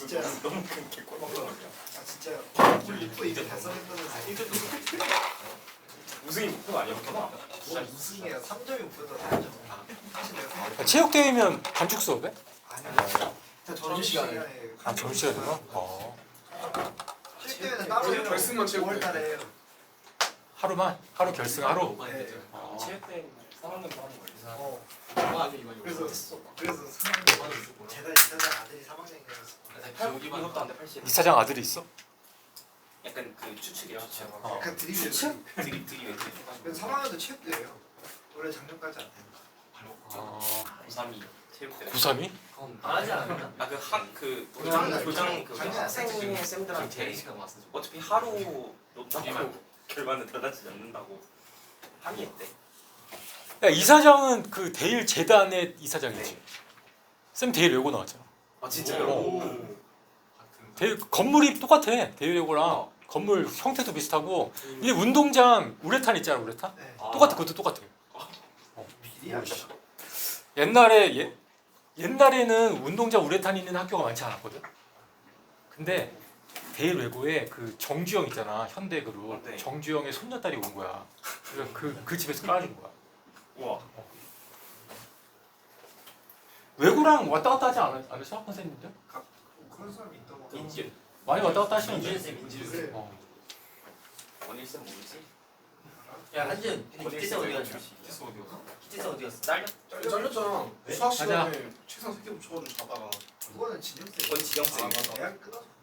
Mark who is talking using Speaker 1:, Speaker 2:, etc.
Speaker 1: 진짜
Speaker 2: 너무 큰 개꿀먹거든요.
Speaker 1: 아 진짜요. 우리 목표 이제 달성했다면서.
Speaker 2: 우승이 목표가 아니었구나.
Speaker 1: 뭐 우승이야. 3점이 목표다. 3점. 사실 내가
Speaker 3: 체육대회면 단축 수업에?
Speaker 1: 아니야. 점심시간에.
Speaker 3: 아 점심시간이구나.
Speaker 1: 실대회는 따로 해요.
Speaker 4: 결승만 체육대회.
Speaker 1: 5월달에 해요.
Speaker 3: 하루만? 하루 결승 하루?
Speaker 1: 네.
Speaker 2: 체육대 3학년도 하는 거예요.
Speaker 1: 어.
Speaker 4: 그래서
Speaker 1: 그래서 3학년 재단 이사장 아들이 3학년이라서
Speaker 2: 이것도 안돼 80.
Speaker 3: 이사장 아들이 있어?
Speaker 2: 약간 그 추측이야 추측.
Speaker 3: 어.
Speaker 1: 약간 드립이에요.
Speaker 2: 드립 왜
Speaker 1: 그래서 3학년도 체육대회예요. 원래 작년까지 안 돼요.
Speaker 2: 고3이 체육대.
Speaker 3: 932?
Speaker 5: 안 하지 않았나?
Speaker 2: 아그
Speaker 1: 교장,
Speaker 2: 교장 그
Speaker 1: 작년
Speaker 5: 학생회 쌤들한테
Speaker 2: 제일
Speaker 5: 시간 왔어.
Speaker 2: 어차피 하루 놓고 결과는 달라지지 않는다고 항의했대.
Speaker 3: 야 이사장은 그 대일 재단의 이사장이지. 쌤 대일 외고 나왔잖아.
Speaker 2: 아
Speaker 3: 대일 건물이 똑같아. 대일 외고랑 건물 형태도 비슷하고. 이 운동장 우레탄 있잖아 우레탄.
Speaker 1: 네.
Speaker 3: 똑같아 그것도 똑같아.
Speaker 1: 비리야.
Speaker 3: 옛날에는 운동장 우레탄 있는 학교가 많지 않았거든. 근데 대일 외고에 그 정주영 있잖아 현대그룹.
Speaker 2: 네.
Speaker 3: 정주영의 손녀딸이 온 거야. 그래서 그 집에서 깔아준 거야.
Speaker 2: 우와.
Speaker 3: 외고랑 왔다 갔다 하지 않으셔 선생님들?
Speaker 1: 그런 사람이 있다고.
Speaker 2: 인지
Speaker 3: 많이 왔다 갔다 하시는데.
Speaker 5: 민준 쌤, 민준 쌤.
Speaker 1: 그래.
Speaker 2: 원일쌤 모르지?
Speaker 5: 야 한준, 기태 쌤 어디 갔냐?
Speaker 2: 기태 어디 갔어?
Speaker 5: 기태 쌤 어디 갔어? 딸려?
Speaker 4: 잘렸잖아.
Speaker 5: 네?
Speaker 4: 수학 시간에 책상 3개 붙여가지고 자다가.
Speaker 1: 그거는 진영 쌤.
Speaker 2: 그건 지영 쌤.
Speaker 4: 아, 맞아.
Speaker 1: 대학 끊어서.